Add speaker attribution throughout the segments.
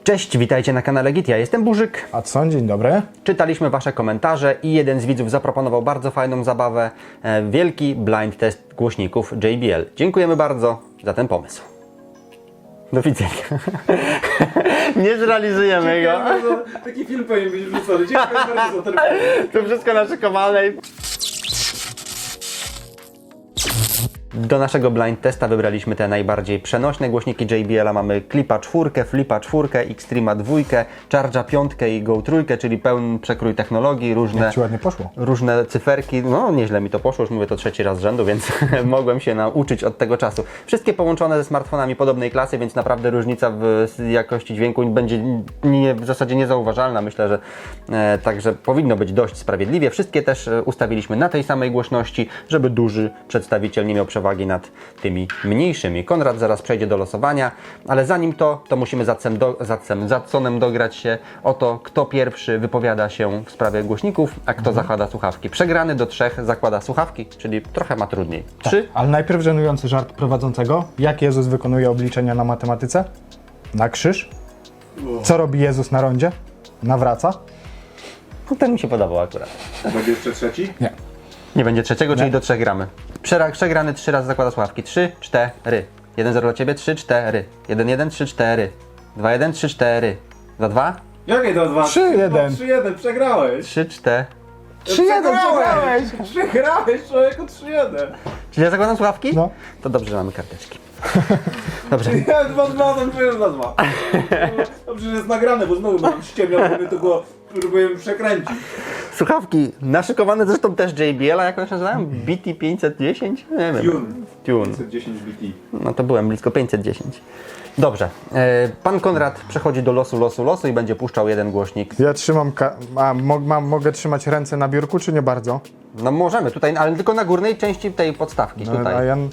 Speaker 1: Cześć, witajcie na kanale Git, ja jestem Burzyk.
Speaker 2: Adson, dzień dobry.
Speaker 1: Czytaliśmy Wasze komentarze i jeden z widzów zaproponował bardzo fajną zabawę. Wielki blind test głośników JBL. Dziękujemy bardzo za ten pomysł. Do widzenia. Nie zrealizujemy go.
Speaker 3: Taki film powinien być wrzucony. Dziękuję bardzo za ten pomysł.
Speaker 1: To wszystko naszykowane. Do naszego blind testa wybraliśmy te najbardziej przenośne głośniki JBL-a. Mamy Clipa 4, Flipa 4, Xtrema 2, Charge'a 5 i Go 3, czyli pełen przekrój technologii,
Speaker 2: Jak ci ładnie poszło.
Speaker 1: różne cyferki. No nieźle mi to poszło, już mówię to trzeci raz z rzędu, więc mogłem się nauczyć od tego czasu. Wszystkie połączone ze smartfonami podobnej klasy, więc naprawdę różnica w jakości dźwięku będzie w zasadzie niezauważalna. Myślę, że także powinno być dość sprawiedliwie. Wszystkie też ustawiliśmy na tej samej głośności, żeby duży przedstawiciel nie miał przewagi nad tymi mniejszymi. Konrad zaraz przejdzie do losowania, ale zanim to musimy z Adsonem dograć się o to, kto pierwszy wypowiada się w sprawie głośników, a kto zakłada słuchawki. Przegrany do 3 zakłada słuchawki, czyli trochę ma trudniej. 3.
Speaker 2: Ale najpierw żenujący żart prowadzącego. Jak Jezus wykonuje obliczenia na matematyce? Na krzyż. Co robi Jezus na rondzie? Nawraca.
Speaker 1: No, ten mi się podobał akurat.
Speaker 3: Będzie jeszcze trzeci?
Speaker 2: Nie.
Speaker 1: Nie będzie trzeciego, czyli do 3 gramy. Przegrany 3 razy zakłada słuchawki. 3, 4. 1-0 dla Ciebie, 3, 4. 1-1, 3, 4. 2-1, 3, 4. 2-2?
Speaker 3: Jakie to 2?
Speaker 2: 3-1.
Speaker 3: 3-1, przegrałeś.
Speaker 1: 3, 4.
Speaker 2: 3-1 przegrałeś!
Speaker 3: Przegrałeś, człowieku, 3-1.
Speaker 1: Czyli ja zakładam słuchawki?
Speaker 2: No.
Speaker 1: To dobrze, że mamy karteczki. Dobrze.
Speaker 3: Ja 2-2, ten czujesz 2-2. Dobrze, że jest nagrane, bo znowu mam ściemniał, żeby to go próbuję przekręcić.
Speaker 1: Słuchawki naszykowane zresztą też JBL, a jak one się nazywają? BT 510? Nie wiem. Tune.
Speaker 3: 510 BT.
Speaker 1: No to byłem blisko 510. Dobrze. Pan Konrad przechodzi do losu i będzie puszczał jeden głośnik.
Speaker 2: Ja trzymam... mogę trzymać ręce na biurku, czy nie bardzo?
Speaker 1: No możemy tutaj, ale tylko na górnej części tej podstawki.
Speaker 2: No,
Speaker 1: Tutaj.
Speaker 2: a ja...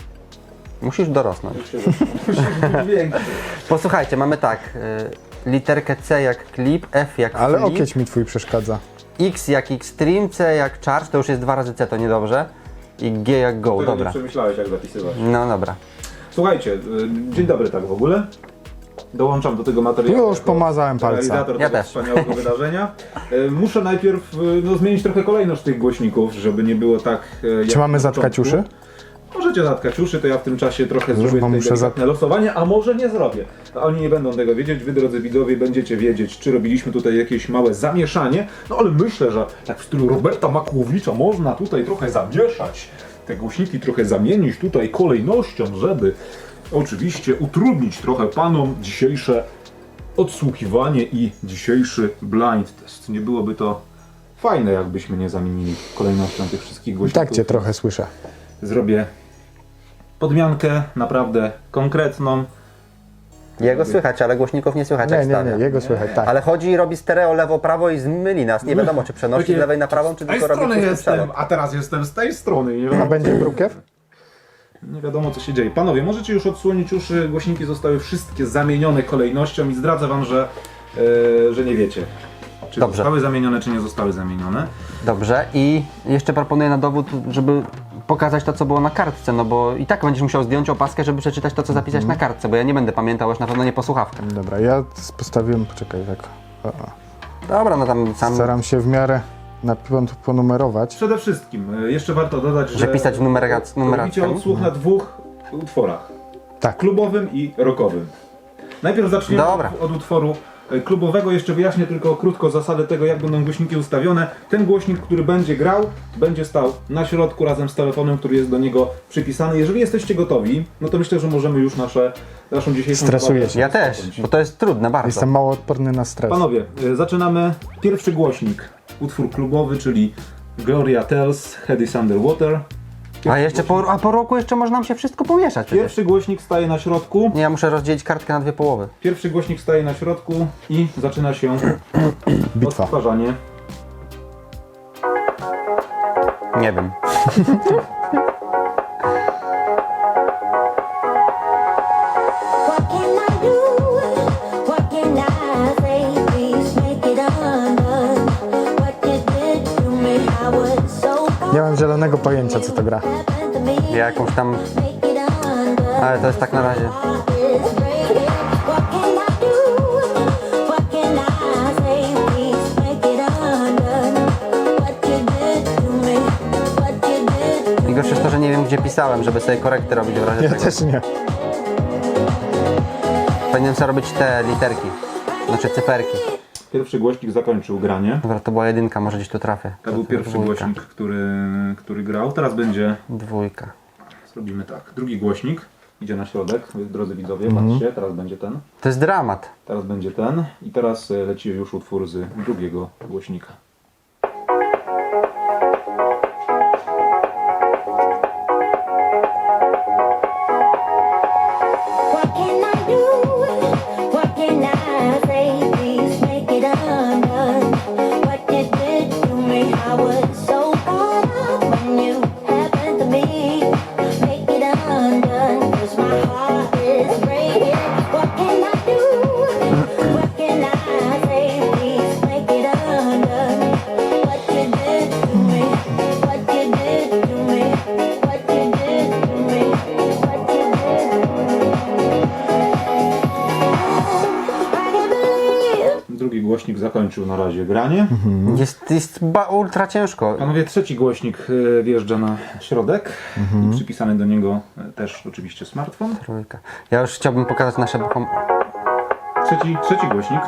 Speaker 1: Musisz dorosnąć.
Speaker 3: Większy.
Speaker 1: Posłuchajcie, mamy tak. Literkę C jak Clip, F jak
Speaker 2: Ale
Speaker 1: Flip,
Speaker 2: okieć mi twój przeszkadza.
Speaker 1: X jak Xtreme, C jak Charge, to już jest 2 razy C, to niedobrze. I G jak Go,
Speaker 3: Tego nie
Speaker 1: dobra.
Speaker 3: przemyślałeś, jak zapisywać.
Speaker 1: No dobra.
Speaker 3: Słuchajcie, dzień dobry tak w ogóle. Dołączam do tego materiału.
Speaker 2: Już pomazałem palca.
Speaker 3: Realizator
Speaker 1: Ja
Speaker 3: tego
Speaker 1: też.
Speaker 3: wspaniałego wydarzenia. Muszę najpierw zmienić trochę kolejność tych głośników, żeby nie było tak jak
Speaker 2: Czy mamy
Speaker 3: na
Speaker 2: zatkać
Speaker 3: początku.
Speaker 2: uszy?
Speaker 3: Możecie zatkać uszy, to ja w tym czasie trochę zrobię
Speaker 2: bo
Speaker 3: tutaj
Speaker 2: muszę
Speaker 3: delikatne losowanie, a może nie zrobię. A oni nie będą tego wiedzieć, wy drodzy widzowie będziecie wiedzieć, czy robiliśmy tutaj jakieś małe zamieszanie, no ale myślę, że tak w stylu Roberta Makłowicza można tutaj trochę zamieszać, te głośniki trochę zamienić tutaj kolejnością, żeby oczywiście utrudnić trochę panom dzisiejsze odsłuchiwanie i dzisiejszy blind test. Nie byłoby to fajne, jakbyśmy nie zamienili kolejnością tych wszystkich głośników.
Speaker 2: Tak cię trochę słyszę.
Speaker 3: Zrobię podmiankę naprawdę konkretną.
Speaker 1: Jego słychać, ale głośników nie słychać jak
Speaker 2: Nie,
Speaker 1: stawia.
Speaker 2: jego słychać, tak.
Speaker 1: Ale chodzi i robi stereo lewo-prawo i zmyli nas. Nie wiadomo, czy przenosi z lewej na prawą, czy
Speaker 3: Z tej
Speaker 1: tylko robi
Speaker 3: strony
Speaker 1: pusty
Speaker 3: jestem,
Speaker 1: przelot.
Speaker 3: a teraz jestem z tej strony. Nie
Speaker 2: A
Speaker 3: wiadomo,
Speaker 2: będzie brukiew?
Speaker 3: nie wiadomo co się dzieje. Panowie, możecie już odsłonić uszy. Głośniki zostały wszystkie zamienione kolejnością i zdradzę wam, że nie wiecie. Czy
Speaker 1: Dobrze.
Speaker 3: zostały zamienione, czy nie zostały zamienione.
Speaker 1: Dobrze, i jeszcze proponuję na dowód, żeby pokazać to, co było na kartce, no bo i tak będziesz musiał zdjąć opaskę, żeby przeczytać to, co zapisać na kartce, bo ja nie będę pamiętał, już na pewno nie po słuchawkach.
Speaker 2: Dobra, ja postawiłem... Poczekaj, tak.
Speaker 1: Dobra, no tam sam...
Speaker 2: Staram się w miarę ponumerować.
Speaker 3: Przede wszystkim jeszcze warto dodać, że
Speaker 1: pisać numeracją.
Speaker 3: robicie odsłuch na 2 utworach.
Speaker 2: Tak.
Speaker 3: Klubowym i rockowym. Najpierw zaczniemy
Speaker 1: Dobra.
Speaker 3: od utworu klubowego. Jeszcze wyjaśnię tylko krótko zasadę tego, jak będą głośniki ustawione. Ten głośnik, który będzie grał, będzie stał na środku razem z telefonem, który jest do niego przypisany. Jeżeli jesteście gotowi, no to myślę, że możemy już naszą dzisiejszą
Speaker 2: Stresuję
Speaker 3: zabawę
Speaker 2: się.
Speaker 1: Ja też,
Speaker 3: rozpocząć.
Speaker 1: bo to jest trudne bardzo.
Speaker 2: Jestem mało odporny na stres.
Speaker 3: Panowie, zaczynamy. Pierwszy głośnik. Utwór klubowy, czyli Gloria Tells, Head is Underwater.
Speaker 1: A jeszcze po roku jeszcze może nam się wszystko pomieszać przecież.
Speaker 3: Pierwszy głośnik staje na środku.
Speaker 1: Nie, ja muszę rozdzielić kartkę na 2 połowy.
Speaker 3: Pierwszy głośnik staje na środku i zaczyna się
Speaker 2: Bitwa.
Speaker 3: odtwarzanie.
Speaker 1: Nie wiem.
Speaker 4: What can I do? What can I say? Please make it undone. What you did to me, I was so
Speaker 2: Nie mam zielonego pojęcia, co to gra.
Speaker 4: happened to me.
Speaker 1: Ja jakąś tam...
Speaker 4: Make it undone.
Speaker 1: Ale to jest tak na razie.
Speaker 4: What can I do?
Speaker 1: pisałem, żeby sobie korekty robić w razie
Speaker 2: Ja
Speaker 1: czego.
Speaker 2: też nie.
Speaker 1: Powinienem sobie robić te literki, znaczy cyferki.
Speaker 3: Pierwszy głośnik zakończył granie.
Speaker 1: Dobra, to była jedynka, może gdzieś tu trafię.
Speaker 3: To był pierwszy
Speaker 1: dwójka.
Speaker 3: głośnik, który grał. Teraz będzie,
Speaker 1: Dwójka.
Speaker 3: zrobimy tak, drugi głośnik idzie na środek, drodzy widzowie, patrzcie, teraz będzie ten,
Speaker 1: To jest dramat.
Speaker 3: teraz będzie ten i teraz leci już utwór z drugiego głośnika.
Speaker 4: What can I do? What can I say? Please make it undone. What you did to me, I was so caught up when you happened to me. Make it undone, 'cause my heart is breaking. What can I do? What can I say? Please make it undone. What you did to me, what you did to me, what you did to me, what you did to me.
Speaker 3: Drugi głośnik zakończył na razie granie.
Speaker 1: Jest ultra ciężko.
Speaker 3: Panowie, trzeci głośnik wjeżdża na środek i przypisany do niego też oczywiście smartfon.
Speaker 1: Trójka. Ja już chciałbym pokazać nasze...
Speaker 3: Trzeci głośnik.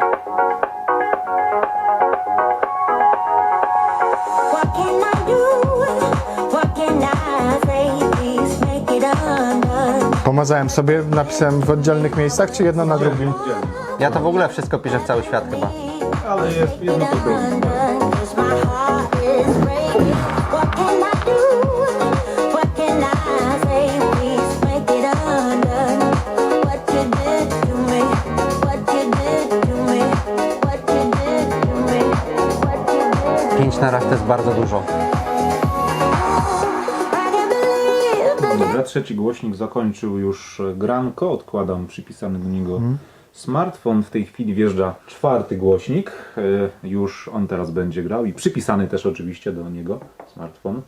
Speaker 4: What can I do? What can I say? Please make it undone.
Speaker 2: Pomazałem sobie, napisałem w oddzielnych miejscach, czy jedno na drugim?
Speaker 1: Ja to w ogóle wszystko piszę w cały świat chyba.
Speaker 3: Ale jest jedno po drugim.
Speaker 4: Undone, 'cause my heart is breaking. What can I do? What can I say? Please make it undone. What you did to me, what you did to me, what you did to me, what you did.
Speaker 1: 5 na raz to jest bardzo dużo.
Speaker 4: I can't believe that
Speaker 3: Dobra, trzeci głośnik zakończył już granko, odkładam przypisany do niego smartfon. W tej chwili wjeżdża czwarty głośnik, już on teraz będzie grał i przypisany też oczywiście do niego smartfon.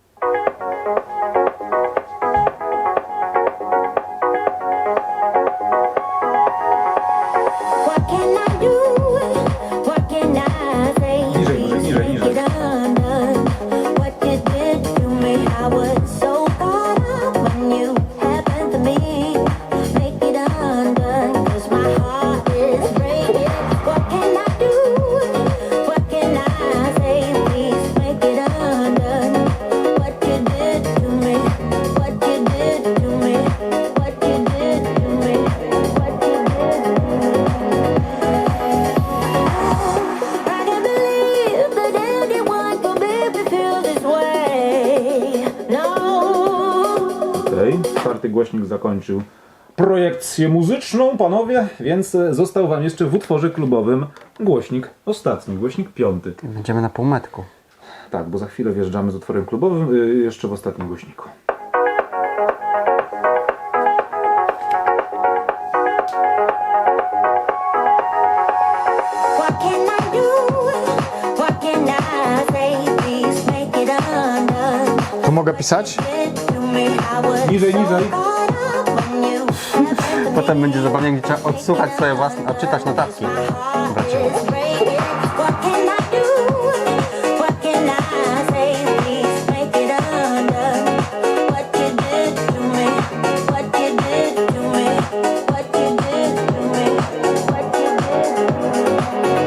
Speaker 4: What can I do? What can I say?
Speaker 3: Niżej, niżej, niżej,
Speaker 4: Make
Speaker 3: niżej.
Speaker 4: it undone. What you did to me, I was so caught up when you happened to me. Make it undone, 'cause my heart is breaking. What can I do? What can I say? Please make it undone. What you did to me, what you did to me, what you did to me, what you did to me. I can't believe that anyone could make me feel this way. No.
Speaker 3: Okej, czwarty głośnik zakończył projekcję muzyczną, panowie, więc został wam jeszcze w utworze klubowym głośnik ostatni, głośnik piąty.
Speaker 1: Będziemy na półmetku.
Speaker 3: Tak, bo za chwilę wjeżdżamy z utworem klubowym, jeszcze w ostatnim głośniku.
Speaker 4: What can I do? What can I say? Please make it undone.
Speaker 2: Tu mogę pisać?
Speaker 4: Did to me, I was
Speaker 3: Niżej,
Speaker 4: so
Speaker 3: niżej.
Speaker 4: caught up when you happened to me.
Speaker 1: Potem będzie zabawnie, gdzie trzeba odsłuchać swoje własne, odczytać notatki. Bracie.
Speaker 4: It's breaking. What can I do? What can I say? Please make it undone. What you did to me, what you did to me, what you did to me, what you did to me.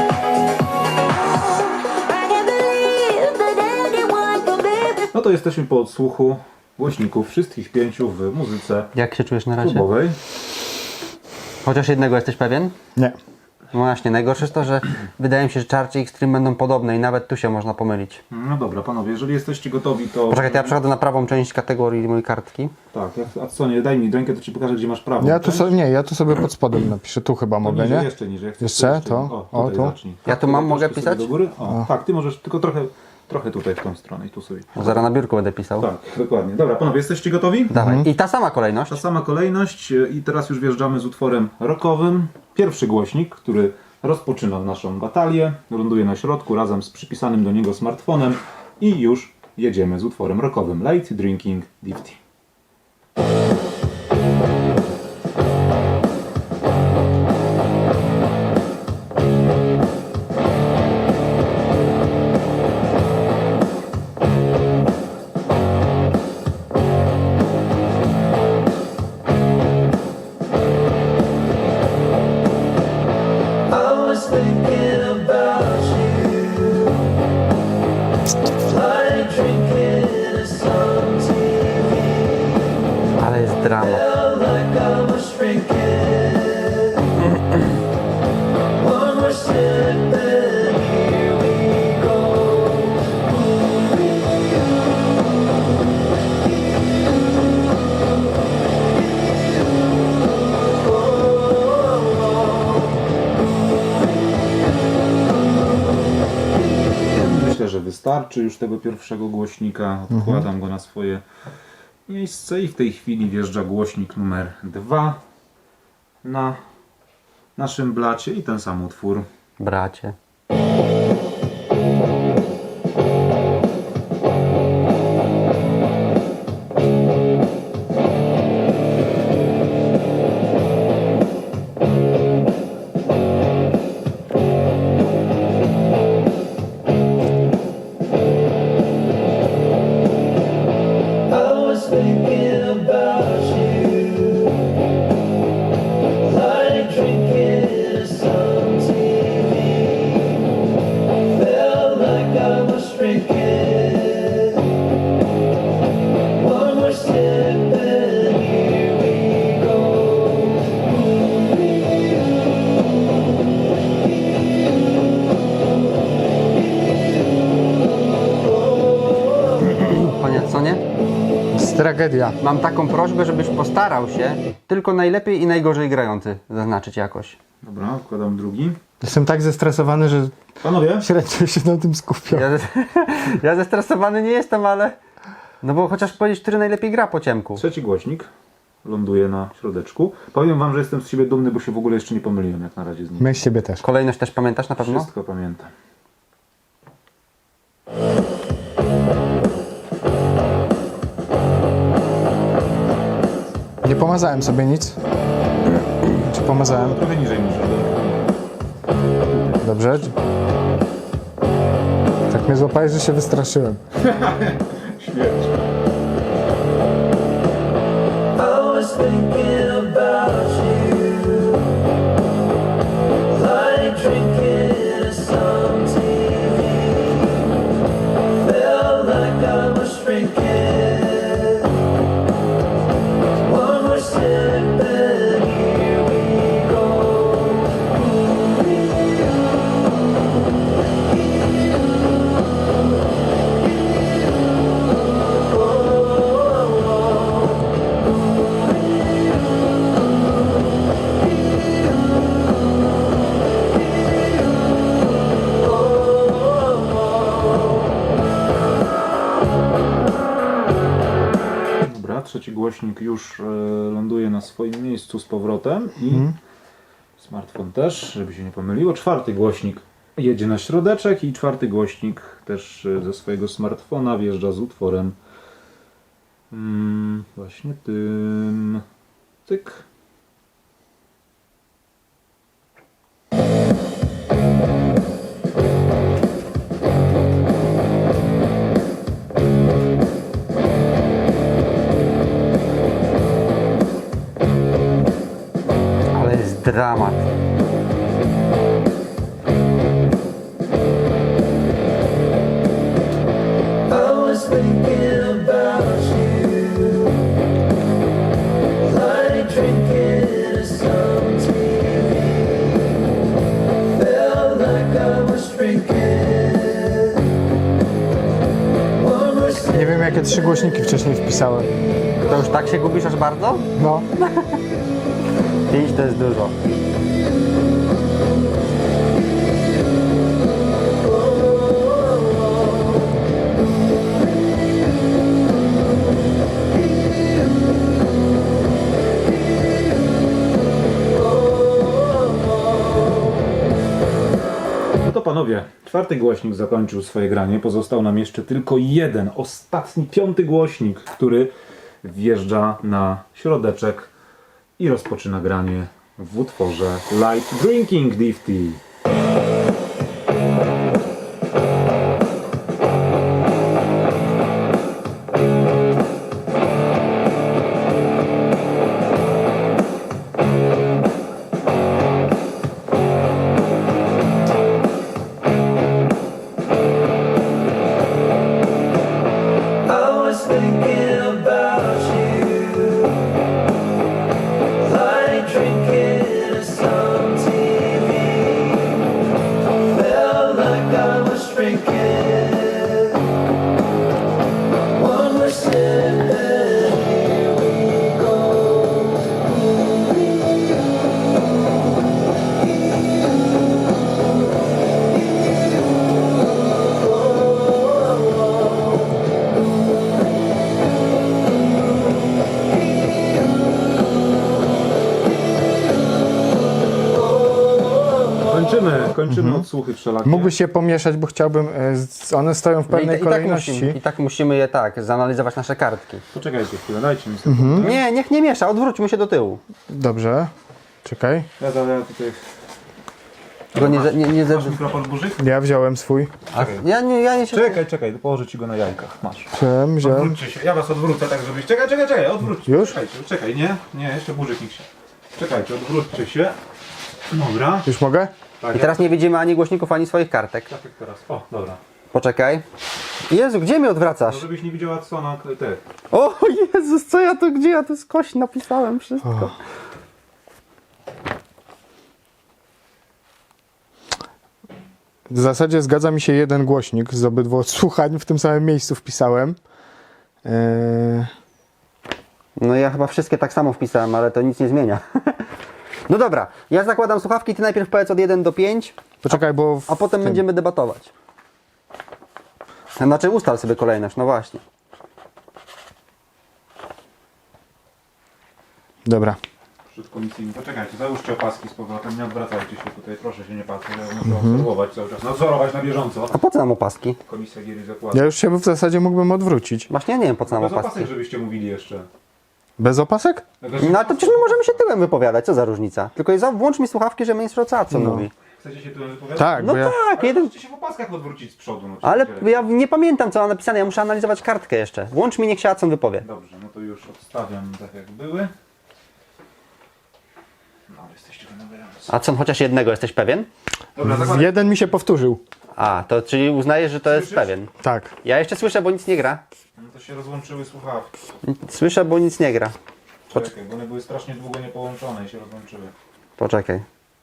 Speaker 4: I can't believe that anyone could be.
Speaker 3: No to jesteśmy po odsłuchu głośników wszystkich pięciu w muzyce
Speaker 1: Jak się czujesz na razie?
Speaker 3: klubowej.
Speaker 1: Chociaż jednego jesteś pewien?
Speaker 2: Nie.
Speaker 1: No właśnie, najgorsze jest to, że wydaje mi się, że Charge i Extreme będą podobne i nawet tu się można pomylić.
Speaker 3: No dobra, panowie, jeżeli jesteście gotowi, to...
Speaker 1: Poczekaj, to ja przechodzę na prawą część kategorii mojej kartki.
Speaker 3: Tak, a co nie, daj mi rękę, to ci pokażę, gdzie masz prawo.
Speaker 2: Ja tu sobie pod spodem napiszę, tu chyba mogę,
Speaker 3: niżej,
Speaker 2: nie?
Speaker 3: jeszcze niżej. Jak chcesz,
Speaker 2: Jeszcze?
Speaker 3: to
Speaker 2: To?
Speaker 3: O, tutaj
Speaker 2: O, tu?
Speaker 3: zacznij.
Speaker 1: Ja tu
Speaker 3: tutaj
Speaker 1: mam, mogę
Speaker 3: troszkę sobie
Speaker 1: pisać?
Speaker 3: do góry. O, tak, ty możesz, tylko trochę tutaj w tą stronę i tu sobie.
Speaker 1: Bo zaraz na biurku będę pisał.
Speaker 3: Tak, dokładnie. Dobra, panowie, jesteście gotowi?
Speaker 1: Dawaj. I ta sama kolejność.
Speaker 3: Ta sama kolejność i teraz już wjeżdżamy z utworem rockowym. Pierwszy głośnik, który rozpoczyna naszą batalię, ląduje na środku razem z przypisanym do niego smartfonem i już jedziemy z utworem rockowym Light Drinking Diffty. Myślę, że wystarczy już tego pierwszego głośnika. Odkładam go na swoje miejsce i w tej chwili wjeżdża głośnik numer 2 na naszym blacie i ten sam utwór.
Speaker 1: Bracie.
Speaker 5: I was thinking about you, like drinking some TV. Felt like I was drinking. One more sip and here we go.
Speaker 1: Koniec, co nie?
Speaker 2: To jest tragedia.
Speaker 1: Mam taką prośbę, żebyś postarał się tylko najlepiej i najgorzej grający zaznaczyć jakoś.
Speaker 3: Dobra, odkładam drugi.
Speaker 2: Jestem tak zestresowany, że
Speaker 3: Panowie,
Speaker 2: średnio się na tym skupiam.
Speaker 1: Ja zestresowany nie jestem, ale... No bo chociaż powiedzieć, który najlepiej gra po ciemku.
Speaker 3: trzeci głośnik ląduje na środeczku. Powiem wam, że jestem z siebie dumny, bo się w ogóle jeszcze nie pomyliłem jak na razie z nim.
Speaker 2: My z siebie też.
Speaker 1: Kolejność też pamiętasz na pewno?
Speaker 3: Wszystko pamiętam.
Speaker 2: Nie pomazałem sobie nic. Czy pomazałem?
Speaker 3: Trochę niżej muszę.
Speaker 2: Dobrze. Tak mnie złapałeś, że się wystraszyłem.
Speaker 3: Śmierć.
Speaker 5: I was thinking about you, like drinking some TV. Felt like I was drinking. One more sip and here we go.
Speaker 3: Dobra, trzeci głośnik już ląduje na swoim miejscu z powrotem i smartfon też, żeby się nie pomyliło. Czwarty głośnik jedzie na środeczek i czwarty głośnik też ze swojego smartfona wjeżdża z utworem właśnie tym. Cyk.
Speaker 1: Ale jest dramat.
Speaker 5: I was thinking about you, like drinking some TV. Felt like I was drinking. One more sip.
Speaker 2: Nie wiem, jakie 3 głośniki wcześniej wpisałem.
Speaker 1: To już tak się gubisz aż bardzo?
Speaker 2: No.
Speaker 1: 5 to jest dużo.
Speaker 3: No to panowie, czwarty głośnik zakończył swoje granie. Pozostał nam jeszcze tylko jeden, ostatni, piąty głośnik, który wjeżdża na środeczek i rozpoczyna granie w utworze Light Drinking Difty.
Speaker 5: I was thinking about you, like drinking some TV.
Speaker 3: Kończymy odsłuchy wszelakie.
Speaker 2: Mógłbyś się pomieszać, bo chciałbym... one stoją w pewnej kolejności.
Speaker 1: I tak musimy je zanalizować nasze kartki.
Speaker 3: Poczekajcie chwilę, dajcie mi sekundę.
Speaker 1: Nie, niech nie miesza, odwróćmy się do tyłu.
Speaker 2: Dobrze. Czekaj.
Speaker 3: Ja tutaj...
Speaker 1: Go nie
Speaker 3: Masz mikrofon burzyk?
Speaker 2: Ja wziąłem swój.
Speaker 1: Ja nie się...
Speaker 3: Czekaj, położę ci go na jajkach. Masz.
Speaker 2: Wziąłem.
Speaker 3: Odwróćcie się, ja was odwrócę tak, żebyś... Czekaj, odwróćcie.
Speaker 2: Już?
Speaker 3: Czekaj, nie, jeszcze burzyk niech się... Czekajcie, odwróćcie się. Dobra.
Speaker 2: Już mogę?
Speaker 3: Tak,
Speaker 1: I teraz nie widzimy ani głośników, ani swoich kartek.
Speaker 3: tak jak teraz. O, dobra.
Speaker 1: Poczekaj. Jezu, gdzie mnie odwracasz?
Speaker 3: No żebyś nie widziała co na te...
Speaker 1: O Jezus, gdzie ja tu skoś napisałem wszystko.
Speaker 2: W zasadzie zgadza mi się jeden głośnik z obydwu odsłuchań, w tym samym miejscu wpisałem.
Speaker 1: No ja chyba wszystkie tak samo wpisałem, ale to nic nie zmienia. No dobra, ja zakładam słuchawki, ty najpierw powiedz od 1 do 5,
Speaker 2: Poczekaj, bo...
Speaker 1: a potem będziemy debatować. Znaczy ustal sobie kolejność, no właśnie.
Speaker 2: Dobra.
Speaker 3: Przed komisyjnym. Poczekajcie, załóżcie opaski z powrotem, nie odwracajcie się tutaj, proszę się nie patrzeć, ja muszę obserwować cały czas, nadzorować na bieżąco.
Speaker 1: A po co nam opaski?
Speaker 3: Komisja gier i zakładów.
Speaker 2: Ja już się w zasadzie mógłbym odwrócić.
Speaker 1: Właśnie ja nie wiem po co nam
Speaker 3: Bez
Speaker 1: opaski.
Speaker 3: opasek, żebyście mówili jeszcze.
Speaker 2: Bez opasek?
Speaker 1: No ale to przecież my możemy się tyłem wypowiadać, co za różnica? Tylko włącz mi słuchawki, że minister co mówi.
Speaker 3: Chcecie się tu wypowiadać?
Speaker 2: Tak,
Speaker 1: No
Speaker 2: bo ja...
Speaker 1: tak, jeden...
Speaker 3: Możecie się w opaskach odwrócić z przodu. No,
Speaker 1: Ale
Speaker 3: przecież.
Speaker 1: ja nie pamiętam co mam napisane, ja muszę analizować kartkę jeszcze. Włącz mi, niech się Acon wypowie.
Speaker 3: Dobrze, no to już odstawiam tak jak były. No, ale jesteście wymagający.
Speaker 1: Acon, chociaż jednego jesteś pewien?
Speaker 3: Dobra, zakładam.
Speaker 2: Jeden mi się powtórzył.
Speaker 1: A, to czyli uznajesz, że to jest
Speaker 3: Słyszysz?
Speaker 1: pewien.
Speaker 2: Tak.
Speaker 1: Ja jeszcze słyszę, bo nic nie gra.
Speaker 3: No to się rozłączyły słuchawki.
Speaker 1: Słyszę, bo nic nie gra.
Speaker 3: Czekaj, bo one były strasznie długo niepołączone i się rozłączyły.
Speaker 1: Poczekaj.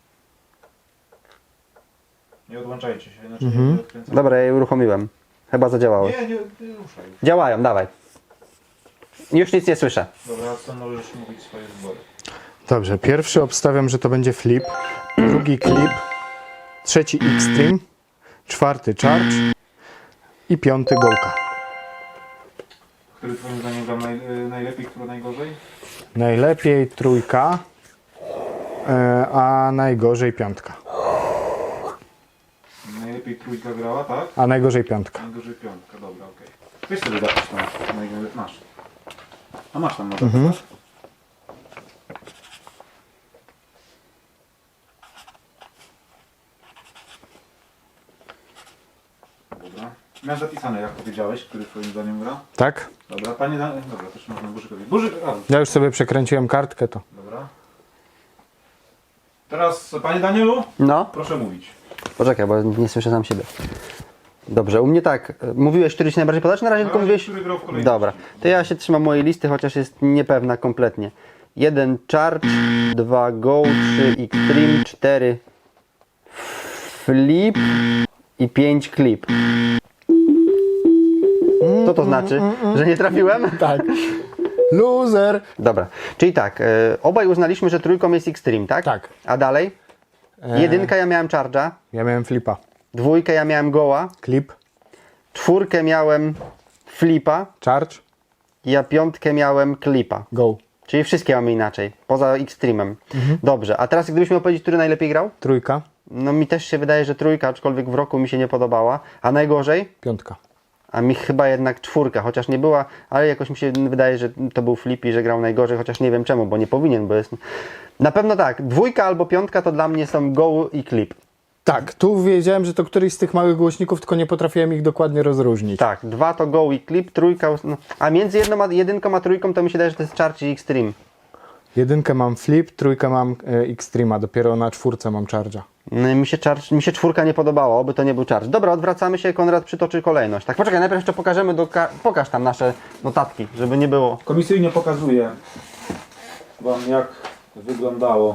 Speaker 3: Nie odłączajcie się, inaczej nie odkręcam.
Speaker 1: Dobra, ja je uruchomiłem. Chyba zadziałały.
Speaker 3: Nie ruszaj.
Speaker 1: Działają, dawaj. Już nic nie słyszę.
Speaker 3: Dobra, co możesz mówić swoje wybory.
Speaker 2: Dobrze, pierwszy obstawiam, że to będzie flip, drugi clip, trzeci extreme, czwarty charge i piąty gołka.
Speaker 3: Który twoim zdaniem grał najlepiej, który najgorzej?
Speaker 2: Najlepiej trójka, a najgorzej piątka.
Speaker 3: Najlepiej trójka grała, tak?
Speaker 2: A najgorzej piątka.
Speaker 3: Najgorzej piątka, dobra, okej. Weź sobie zapisz tam, masz. A masz tam notatę, tak? Dobra. Miałem zapisane, jak powiedziałeś, który twoim zdaniem gra.
Speaker 2: Tak?
Speaker 3: Dobra, panie dobra, też można Burzykowi. Burzyk,
Speaker 2: Ja już sobie przekręciłem kartkę, to.
Speaker 3: dobra. Teraz, panie Danielu,
Speaker 1: No,
Speaker 3: proszę mówić.
Speaker 1: poczekaj, bo nie słyszę sam siebie. Dobrze, u mnie tak. Mówiłeś, który ci najbardziej podoba, czy na razie tylko
Speaker 3: razie,
Speaker 1: mówiłeś...
Speaker 3: który grał w kolejności.
Speaker 1: Dobra, to ja się trzymam mojej listy, chociaż jest niepewna kompletnie. 1 charge, 2 go, 3 extreme, 4 flip i 5 clip. Co to znaczy? Że nie trafiłem?
Speaker 2: Tak. Loser!
Speaker 1: Dobra, czyli tak, obaj uznaliśmy, że trójką jest extreme, tak?
Speaker 2: Tak.
Speaker 1: A dalej? Jedynka ja miałem charge'a,
Speaker 2: Ja miałem flipa.
Speaker 1: dwójkę ja miałem goła,
Speaker 2: Clip,
Speaker 1: czwórkę miałem flipa,
Speaker 2: charge,
Speaker 1: ja piątkę miałem clipa.
Speaker 2: go.
Speaker 1: Czyli wszystkie mamy inaczej, poza extremem. Dobrze, a teraz gdybyś miał powiedzieć, który najlepiej grał?
Speaker 2: Trójka,
Speaker 1: No mi też się wydaje, że trójka, aczkolwiek w roku mi się nie podobała. A najgorzej?
Speaker 2: piątka.
Speaker 1: A mi chyba jednak czwórka, chociaż nie była, ale jakoś mi się wydaje, że to był flip i że grał najgorzej, chociaż nie wiem czemu, bo nie powinien, bo jest... Na pewno tak, dwójka albo piątka to dla mnie są go i clip.
Speaker 2: Tak, tu wiedziałem, że to któryś z tych małych głośników, tylko nie potrafiłem ich dokładnie rozróżnić.
Speaker 1: Tak, dwa to go i clip, trójka... No, a między jedynką a trójką to mi się wydaje, że to jest charge i extreme.
Speaker 2: Jedynkę mam flip, trójkę mam extrema, dopiero na czwórce mam charge'a.
Speaker 1: No i mi się czwórka nie podobała, oby to nie był charge. Dobra, odwracamy się, Konrad przytoczy kolejność. Tak, poczekaj, najpierw jeszcze pokażemy pokaż tam nasze notatki, żeby nie było.
Speaker 3: Komisyjnie pokazuję wam, jak wyglądało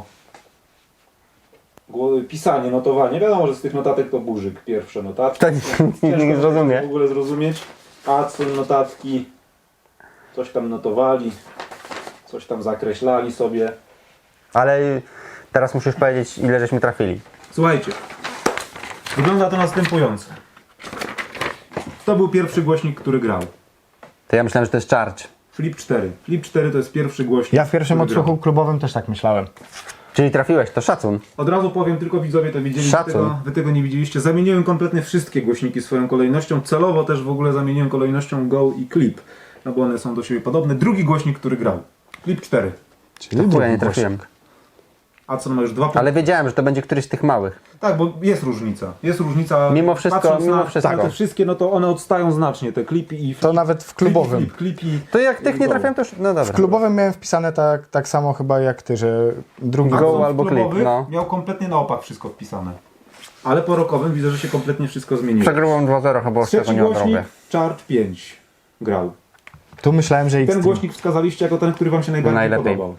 Speaker 3: pisanie, notowanie. Wiadomo, że z tych notatek to Burzyk, pierwsze notatki.
Speaker 1: Tak,
Speaker 3: Ciężko
Speaker 1: nie zrozumie.
Speaker 3: w ogóle zrozumieć. Acon notatki, coś tam notowali, coś tam zakreślali sobie.
Speaker 1: Ale teraz musisz powiedzieć, ile żeśmy trafili.
Speaker 3: Słuchajcie, wygląda to następująco. To był pierwszy głośnik, który grał.
Speaker 1: To ja myślałem, że to jest charge.
Speaker 3: Flip 4. Flip 4 to jest pierwszy głośnik.
Speaker 2: Ja w pierwszym
Speaker 3: który grał.
Speaker 2: odsłuchu klubowym też tak myślałem.
Speaker 1: Czyli trafiłeś, to szacun.
Speaker 3: Od razu powiem, tylko widzowie to widzieli,
Speaker 1: Szacun.
Speaker 3: wy tego nie widzieliście. Zamieniłem kompletnie wszystkie głośniki swoją kolejnością. Celowo też w ogóle zamieniłem kolejnością Go i Clip. No bo one są do siebie podobne. Drugi głośnik, który grał. Clip 4.
Speaker 2: Czyli
Speaker 1: Ja
Speaker 2: drugi
Speaker 1: nie trafiłem.
Speaker 2: głośnik.
Speaker 3: Adson ma już 2 punkty.
Speaker 1: Ale wiedziałem, że to będzie któryś z tych małych.
Speaker 3: Tak, bo jest różnica. Jest różnica.
Speaker 1: Mimo wszystko,
Speaker 3: Patrząc
Speaker 1: mimo
Speaker 3: na
Speaker 1: wszystko.
Speaker 3: te wszystkie, no to one odstają znacznie. Te klipy i
Speaker 2: To nawet w klubowym.
Speaker 3: Klipi.
Speaker 1: To jak tych nie trafiłem, to już... No dobra.
Speaker 2: W klubowym miałem wpisane tak samo chyba jak ty, że drugi
Speaker 1: Go
Speaker 3: Adson w
Speaker 1: albo Clip,
Speaker 3: klubowych
Speaker 1: no.
Speaker 3: miał kompletnie na opak wszystko wpisane. Ale po rokowym widzę, że się kompletnie wszystko zmieniło.
Speaker 1: Przegrywam 2-0 chyba, z tego
Speaker 3: Trzeci
Speaker 1: nie
Speaker 3: głośnik,
Speaker 1: odrobię.
Speaker 3: Charge 5 grał.
Speaker 2: Tu myślałem, że
Speaker 3: Ten
Speaker 2: Xtreme.
Speaker 3: głośnik wskazaliście jako ten, który wam się najbardziej
Speaker 1: Najlepiej.
Speaker 3: podobał.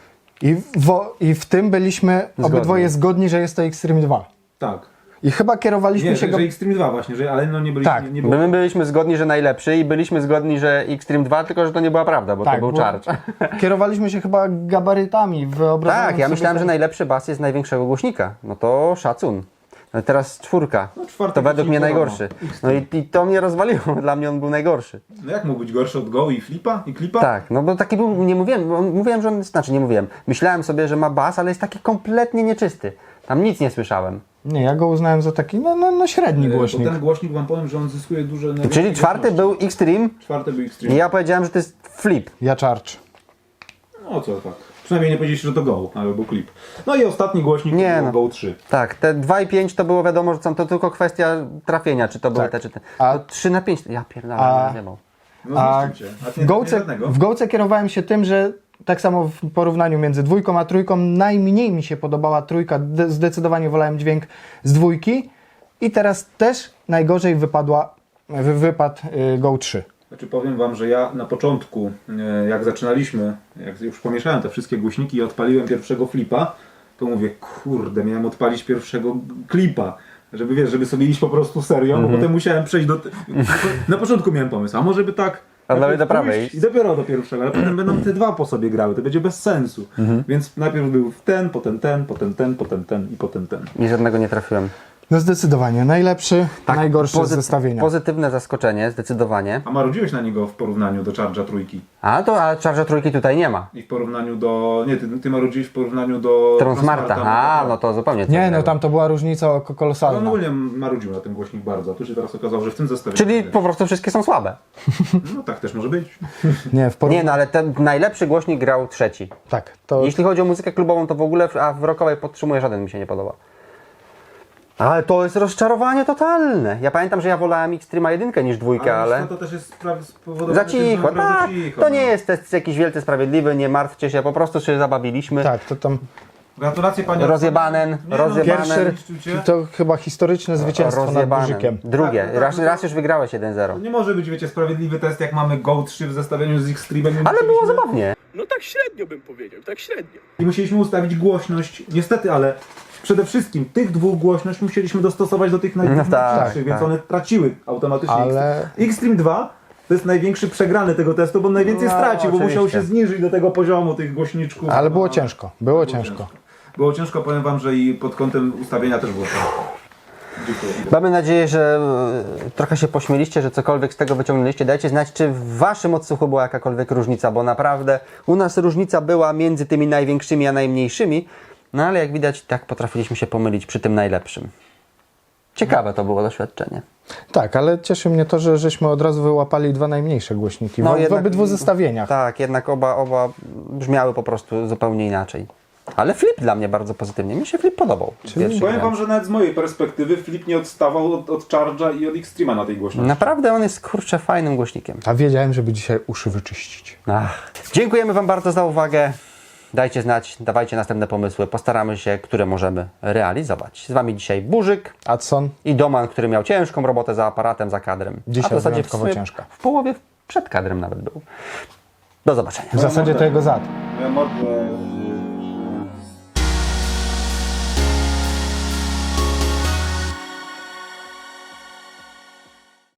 Speaker 2: I w tym byliśmy obydwoje zgodni, że jest to Xtreme 2.
Speaker 3: Tak.
Speaker 2: I chyba kierowaliśmy
Speaker 3: Nie,
Speaker 2: się
Speaker 3: że,
Speaker 2: go...
Speaker 3: że Xtreme 2 właśnie, że, ale no nie byliśmy,
Speaker 2: Tak.
Speaker 3: nie było.
Speaker 1: My byliśmy zgodni, że najlepszy i byliśmy zgodni, że Xtreme 2, tylko że to nie była prawda, bo to
Speaker 2: Tak,
Speaker 1: był
Speaker 2: bo
Speaker 1: charge.
Speaker 2: Kierowaliśmy się chyba gabarytami. Wyobrażając
Speaker 1: Tak, ja
Speaker 2: sobie
Speaker 1: myślałem,
Speaker 2: to-
Speaker 1: że najlepszy bas jest z największego głośnika. No to szacun. No teraz 4.
Speaker 3: No, 4
Speaker 1: To według mnie
Speaker 3: głośnik
Speaker 1: najgorszy.
Speaker 3: wiadomo.
Speaker 1: No i to mnie rozwaliło. Dla mnie on był najgorszy.
Speaker 3: No jak mógł być gorszy od Go i Flipa? I Clipa?
Speaker 1: Tak, no bo taki był, nie mówiłem, mówiłem, że on, znaczy nie mówiłem. Myślałem sobie, że ma bas, ale jest taki kompletnie nieczysty. Tam nic nie słyszałem.
Speaker 2: Nie, ja go uznałem za taki średni
Speaker 3: Bo
Speaker 2: głośnik.
Speaker 3: ten głośnik wam powiem, że on zyskuje duże...
Speaker 1: Czyli 4 był Xtreme
Speaker 3: Czwarty był Xtreme.
Speaker 1: i ja powiedziałem, że to jest flip.
Speaker 2: Ja Charge.
Speaker 3: No co tak. Przynajmniej nie powiedzieliście, że to Go, ale był Clip. No i ostatni głośnik
Speaker 1: Nie,
Speaker 3: to
Speaker 1: no.
Speaker 3: był Go 3.
Speaker 1: Tak, te 2 i 5 to było wiadomo, że są to tylko kwestia trafienia, czy to były
Speaker 2: Tak.
Speaker 1: te, czy te.
Speaker 2: A-
Speaker 1: To 3 na 5, ja pierdolę,
Speaker 2: A-
Speaker 1: nie zjebał.
Speaker 3: No
Speaker 2: A
Speaker 3: zniszczył cię. A ty nie
Speaker 2: Gołce,
Speaker 3: żadnego?
Speaker 2: w Gołce kierowałem się tym, że tak samo w porównaniu między 2 a 3 najmniej mi się podobała 3, zdecydowanie wolałem dźwięk z 2 i teraz też najgorzej wypadł Go 3.
Speaker 3: Znaczy powiem wam, że ja na początku, jak zaczynaliśmy, jak już pomieszałem te wszystkie głośniki i odpaliłem pierwszego flipa, to mówię, kurde, miałem odpalić pierwszego klipa. Żeby wiesz, żeby sobie iść po prostu serio, bo potem musiałem przejść do... Na początku miałem pomysł, a może by tak...
Speaker 1: A dalej
Speaker 3: najpierw
Speaker 1: do prawej
Speaker 3: pójść
Speaker 1: iść.
Speaker 3: I dopiero do pierwszego, ale potem będą te dwa po sobie grały, to będzie bez sensu. Więc najpierw był ten, potem ten, potem ten, potem ten i potem ten.
Speaker 1: I żadnego nie trafiłem.
Speaker 2: No zdecydowanie, najlepszy, najgorszy z zestawienia.
Speaker 1: Pozytywne zaskoczenie, zdecydowanie.
Speaker 3: A marudziłeś na niego w porównaniu do Charge'a trójki.
Speaker 1: A Charger trójki tutaj nie ma.
Speaker 3: I w porównaniu do... Nie, ty marudziłeś w porównaniu do...
Speaker 1: Transmarta,
Speaker 3: Transmarta,
Speaker 1: no to zupełnie co
Speaker 2: Nie, no
Speaker 1: innego.
Speaker 2: tam to była różnica
Speaker 3: Ale
Speaker 2: kolosalna.
Speaker 3: on ogólnie marudził na tym głośnik bardzo, a tu się teraz okazało, że w tym zestawieniu...
Speaker 1: Czyli po prostu wszystkie są słabe.
Speaker 3: No tak też może być.
Speaker 2: Nie,
Speaker 1: Nie, no ale ten najlepszy głośnik grał 3.
Speaker 2: Tak, to
Speaker 1: Jeśli chodzi o muzykę klubową, to w ogóle, a w rockowej podtrzymuję, żaden mi się nie podoba. Ale to jest rozczarowanie totalne. Ja pamiętam, że ja wolałem Xtrema 1 niż 2, ale...
Speaker 3: to też jest spowodowane
Speaker 1: Za
Speaker 3: tym, że
Speaker 1: cicho,
Speaker 3: naprawdę
Speaker 1: tak.
Speaker 3: cicho,
Speaker 1: To
Speaker 3: no.
Speaker 1: nie jest test jakiś wielce sprawiedliwy, nie martwcie się, po prostu się zabawiliśmy.
Speaker 2: tak, to tam
Speaker 3: Gratulacje panie...
Speaker 1: Rozjebanen,
Speaker 3: Nie, no,
Speaker 1: rozjebanen.
Speaker 2: pierwszy,
Speaker 3: zniszczycie.
Speaker 2: to chyba historyczne zwycięstwo nad
Speaker 1: Rozjebane.
Speaker 2: Burzykiem.
Speaker 1: Drugie.
Speaker 3: Tak, tak,
Speaker 1: raz,
Speaker 3: tak.
Speaker 1: raz już wygrałeś 1-0.
Speaker 3: Nie może być, wiecie, sprawiedliwy test, jak mamy Go 3 w zestawieniu z Xtreme'em.
Speaker 1: Ale było zabawnie.
Speaker 6: No tak średnio bym powiedział, tak średnio.
Speaker 3: I musieliśmy ustawić głośność, niestety, ale przede wszystkim tych dwóch głośność musieliśmy dostosować do tych największych,
Speaker 1: tak,
Speaker 3: więc
Speaker 1: tak.
Speaker 3: one traciły automatycznie.
Speaker 2: Ale-
Speaker 3: Xtreme 2 to jest największy przegrany tego testu, bo najwięcej
Speaker 1: No,
Speaker 3: stracił, bo musiał
Speaker 1: oczywiście.
Speaker 3: się zniżyć do tego poziomu tych głośniczków.
Speaker 2: Ale było
Speaker 3: No,
Speaker 2: ciężko, było ciężko.
Speaker 3: Było ciężko, powiem wam, że i pod kątem ustawienia też było ciężko. Dziękuję.
Speaker 1: Mamy nadzieję, że trochę się pośmieliście, że cokolwiek z tego wyciągnęliście. Dajcie znać, czy w waszym odsłuchu była jakakolwiek różnica, bo naprawdę u nas różnica była między tymi największymi a najmniejszymi, no ale jak widać, tak potrafiliśmy się pomylić przy tym najlepszym. Ciekawe to było doświadczenie.
Speaker 2: Tak, ale cieszy mnie to, że żeśmy od razu wyłapali dwa najmniejsze głośniki w
Speaker 1: jednak-
Speaker 2: obydwu zestawieniach.
Speaker 1: Tak, jednak oba brzmiały po prostu zupełnie inaczej. Ale flip dla mnie bardzo pozytywnie. Mi się flip podobał. Pierwszy
Speaker 3: Powiem
Speaker 1: gram.
Speaker 3: wam, że nawet z mojej perspektywy Flip nie odstawał od Charge'a i od Xtreme'a na tej głośności.
Speaker 1: Naprawdę on jest, kurczę, fajnym głośnikiem.
Speaker 2: A wiedziałem, żeby dzisiaj uszy wyczyścić.
Speaker 1: Ach. Dziękujemy wam bardzo za uwagę. Dajcie znać, dawajcie następne pomysły. Postaramy się, które możemy realizować. Z wami dzisiaj Burzyk
Speaker 2: Adson,
Speaker 1: i Doman, który miał ciężką robotę za aparatem, za kadrem.
Speaker 2: Dzisiaj
Speaker 1: A w zasadzie
Speaker 2: wyjątkowo
Speaker 1: sumie
Speaker 2: ciężka.
Speaker 1: W połowie przed kadrem nawet był. Do zobaczenia.
Speaker 2: w zasadzie to jego zad.
Speaker 3: Ja mogę...